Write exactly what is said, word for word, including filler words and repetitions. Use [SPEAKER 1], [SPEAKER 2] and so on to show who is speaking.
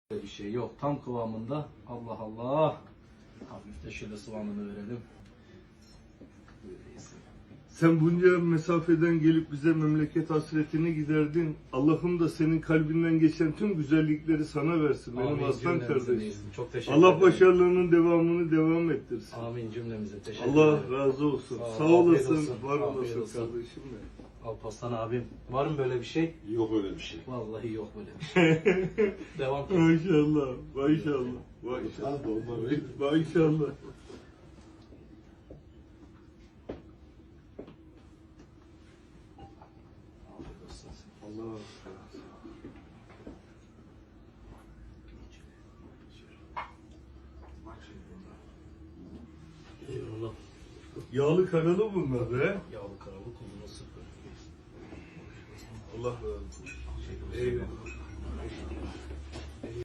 [SPEAKER 1] Böyle bir şey yok. Tam kıvamında. Allah Allah. Hafif de şöyle soğanını verelim. Böyleyiz.
[SPEAKER 2] Sen bunca mesafeden gelip bize memleket hasretini giderdin. Allah'ım da senin kalbinden geçen tüm güzellikleri sana versin. Benim
[SPEAKER 1] Amin,
[SPEAKER 2] aslan
[SPEAKER 1] cümlemize
[SPEAKER 2] kardeşim.
[SPEAKER 1] değilsin. Çok teşekkür
[SPEAKER 2] Allah
[SPEAKER 1] ederim.
[SPEAKER 2] başarılarının devamını devam ettirsin.
[SPEAKER 1] Amin cümlemize. Teşekkür
[SPEAKER 2] Allah
[SPEAKER 1] ederim.
[SPEAKER 2] razı olsun.
[SPEAKER 1] Sağ ol,
[SPEAKER 2] Sağ
[SPEAKER 1] afiyet
[SPEAKER 2] olasın,
[SPEAKER 1] olsun,
[SPEAKER 2] var
[SPEAKER 1] afiyet
[SPEAKER 2] olasın
[SPEAKER 1] olsun.
[SPEAKER 2] kardeşim benim.
[SPEAKER 1] Alparslan abim. Var mı böyle bir şey?
[SPEAKER 3] Yok öyle bir şey.
[SPEAKER 1] Vallahi yok böyle bir şey. Devam et.
[SPEAKER 2] Maşallah, maşallah, maşallah.
[SPEAKER 3] Ha, dolma değil.
[SPEAKER 2] Maşallah.
[SPEAKER 1] Afiyet olsun.
[SPEAKER 2] Allah
[SPEAKER 1] Eyvallah.
[SPEAKER 2] Yağlı karalı bunlar be.
[SPEAKER 1] Yağlı karalı kuzunu sıkı.
[SPEAKER 2] Allah razı olsun. Eyvallah.